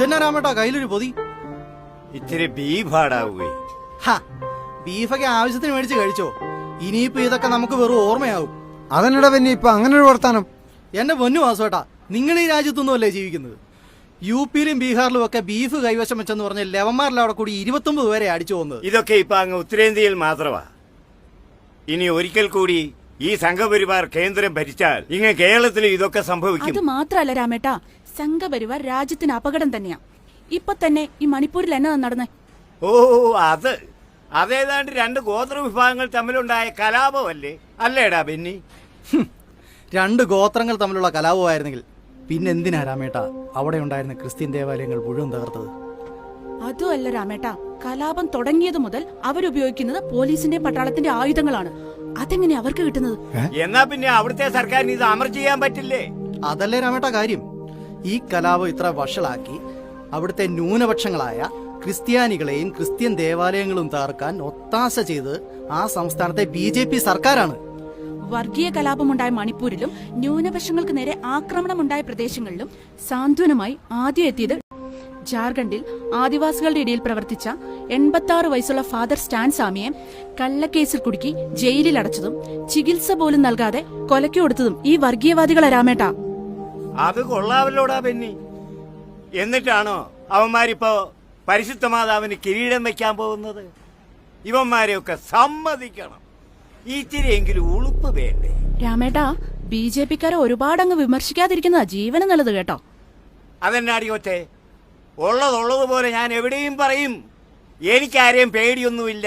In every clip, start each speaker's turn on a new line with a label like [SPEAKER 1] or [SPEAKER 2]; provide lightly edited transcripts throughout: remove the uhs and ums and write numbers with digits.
[SPEAKER 1] ഇതെന്നാ രാമേട്ടാ കയ്യിലൊരു പൊതി?
[SPEAKER 2] ഇത്തിരി ബീഫാടാവേ.
[SPEAKER 1] ബീഫൊക്കെ ആവശ്യത്തിന് മേടിച്ച് കഴിച്ചോ? ഇനിയിപ്പോ ഇതൊക്കെ നമുക്ക് വെറും ഓർമ്മയാവും.
[SPEAKER 3] അതെന്നടാ പിന്നെ ഇപ്പൊ അങ്ങനെ ഒരു വർത്താനം?
[SPEAKER 1] എന്റെ പൊന്നു വാസുവേട്ടാ, നിങ്ങൾ ഈ രാജ്യത്തൊന്നും അല്ലേ ജീവിക്കുന്നത്? യുപിയിലും ബീഹാറിലും ഒക്കെ ബീഫ് കൈവശം വെച്ചെന്ന് പറഞ്ഞ ലെവന്മാരിലും അവിടെ കൂടി 29 പേരെ അടിച്ചു പോകുന്നത്.
[SPEAKER 2] ഇതൊക്കെ ഇപ്പൊ അങ്ങ് ഉത്തരേന്ത്യയിൽ മാത്രമാ. ഇനി ഒരിക്കൽ കൂടി ഈ സംഘപരിവാർ കേന്ദ്രം ഭരിച്ചാൽ ഇങ്ങ് കേരളത്തിൽ ഇതൊക്കെ സംഭവിക്കും.
[SPEAKER 4] അത് മാത്രല്ല രാമേട്ടാ, സംഘപരിവാർ രാജ്യത്തിന് അപകടം തന്നെയാ. ഇപ്പൊ തന്നെ ഈ മണിപ്പൂരിൽ എന്നാ നടന്നേ?
[SPEAKER 2] ഓ, അതേതാണ്ട് 2 ഗോത്ര വിഭാഗങ്ങൾ തമ്മിലുണ്ടായ കലാപമല്ലേ? അല്ലേടാ ബെന്നി?
[SPEAKER 1] 2 ഗോത്രങ്ങൾ തമ്മിലുള്ള കലാപമായിരുന്നെങ്കിൽ പിന്നെന്തിനാ രാമേട്ടാ അവിടെ ഉണ്ടായിരുന്ന ക്രിസ്ത്യൻ ദേവാലയങ്ങൾ മുഴുവൻ തകർത്തത്?
[SPEAKER 4] അതുമല്ല രാമേട്ടാ, കലാപം തുടങ്ങിയത് മുതൽ അവരുപയോഗിക്കുന്നത് പോലീസിന്റെ പട്ടാളത്തിന്റെ ആയുധങ്ങളാണ്. അതെങ്ങനെ അവർക്ക് കിട്ടുന്നത്?
[SPEAKER 2] എന്നാ പിന്നെ അവിടുത്തെ സർക്കാരിന് ഇത് അമർ ചെയ്യാൻ പറ്റില്ലേ?
[SPEAKER 1] അതല്ലേ രാമേട്ടാ കാര്യം. ഈ കലാപം ഇത്ര വഷളാക്കി അവിടുത്തെ ന്യൂനപക്ഷങ്ങളായ ക്രിസ്ത്യാനികളെയും ക്രിസ്ത്യൻ ദേവാലയങ്ങളും തകർക്കാൻ ഒത്താശ ചെയ്ത് ആ സംസ്ഥാനത്തെ BJP സർക്കാരാണ്.
[SPEAKER 4] വർഗീയ കലാപമുണ്ടായ മണിപ്പൂരിലും ന്യൂനപക്ഷങ്ങൾക്ക് നേരെ ആക്രമണമുണ്ടായ പ്രദേശങ്ങളിലും സാന്ത്വനമായി ആദ്യം എത്തിയത് ജാർഖണ്ഡിൽ ആദിവാസികളുടെ ഇടയിൽ പ്രവർത്തിച്ച 86 വയസ്സുള്ള ഫാദർ സ്റ്റാൻ സ്വാമിയെ കള്ളക്കേസിൽ കുടുക്കി ജയിലിൽ അടച്ചതും ചികിത്സ പോലും നൽകാതെ കൊലയ്ക്ക് കൊടുത്തതും ഈ വർഗീയവാദികളെ രാമേട്ടാ.
[SPEAKER 2] അത് കൊള്ളാവല്ലോടാ ബെന്നി. എന്നിട്ടാണോ അവന്മാരിപ്പോ പരിശുദ്ധ മാതാവിന് കിരീടം വെക്കാൻ പോകുന്നത്? ഇവന്മാരെയൊക്കെ സമ്മതിക്കണം. ഇത്തിരിയെങ്കിലും ഉളുപ്പ് വേണ്ടേ?
[SPEAKER 4] രാമേട്ടാ, BJPക്കാരെ ഒരുപാടങ്ങ് വിമർശിക്കാതിരിക്കുന്നതാ ജീവന് നല്ലത് കേട്ടോ.
[SPEAKER 2] അതെന്നാടി കൊച്ചേ, ഉള്ളതുപോലെ ഞാൻ എവിടെയും പറയും. എനിക്കാരെയും പേടിയൊന്നുമില്ല.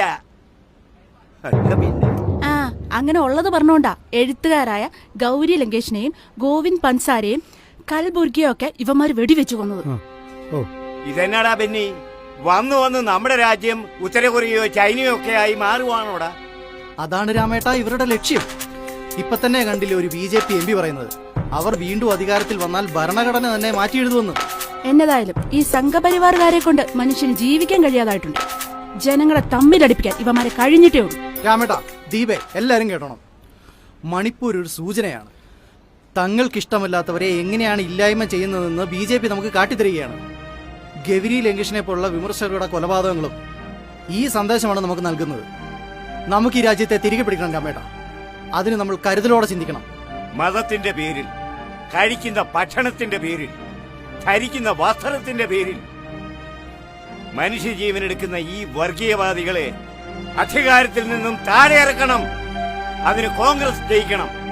[SPEAKER 4] ആ, അങ്ങനെ ഉള്ളത് പറഞ്ഞോണ്ടാ എഴുത്തുകാരായ ഗൗരി ലങ്കേഷിനെയും ഗോവിന്ദ് പൻസാരെയും കൽബുർഗിയും ഒക്കെ ഇവന്മാര് വെടിവെച്ചു കൊന്നത്.
[SPEAKER 2] ഇതെന്നാടാ ബെന്നി, വന്ന് നമ്മുടെ രാജ്യം ഉത്തര കൊറിയയോ ചൈനയോ ഒക്കെ ആയി മാറുവാണോടാ?
[SPEAKER 1] അതാണ് രാമേട്ടാ ഇവരുടെ ലക്ഷ്യം. ഇപ്പൊ തന്നെ കണ്ടില്ലേ ഒരു BJP MP പറയുന്നത്, അവർ വീണ്ടും അധികാരത്തിൽ വന്നാൽ ഭരണഘടന തന്നെ മാറ്റി എഴുതുമെന്ന്.
[SPEAKER 4] എന്നതായാലും ഈ സംഘപരിവാറുകാരെ കൊണ്ട് മനുഷ്യന് ജീവിക്കാൻ കഴിയാതായിട്ടുണ്ട്. ജനങ്ങളെ തമ്മിലടിപ്പിക്കാൻ ഇവന്മാരെ കഴിഞ്ഞിട്ടേ ഉള്ളൂ.
[SPEAKER 1] രാമേട്ടാ, ദീപേ, എല്ലാരും കേട്ടോണം. മണിപ്പൂർ ഒരു സൂചനയാണ്. തങ്ങൾക്കിഷ്ടമല്ലാത്തവരെ എങ്ങനെയാണ് ഇല്ലായ്മ ചെയ്യുന്നതെന്ന് BJP നമുക്ക് കാട്ടിത്തരികയാണ്. ഗൗരി ലങ്കേഷിനെ പോലുള്ള വിമർശകരുടെ കൊലപാതകങ്ങളും ഈ സന്ദേശമാണ് നമുക്ക് നൽകുന്നത്. നമുക്ക് ഈ രാജ്യത്തെ തിരികെ പിടിക്കണം രാമേട്ടാ. അതിന് നമ്മൾ കരുതലോടെ ചിന്തിക്കണം.
[SPEAKER 2] മതത്തിന്റെ പേരിൽ, കഴിക്കുന്ന ഭക്ഷണത്തിന്റെ പേരിൽ, ധരിക്കുന്ന വസ്ത്രത്തിന്റെ പേരിൽ മനുഷ്യജീവനെടുക്കുന്ന ഈ വർഗീയവാദികളെ അധികാരത്തിൽ നിന്നും താഴെ ഇറക്കണം. അതിന് കോൺഗ്രസ് ജയിക്കണം.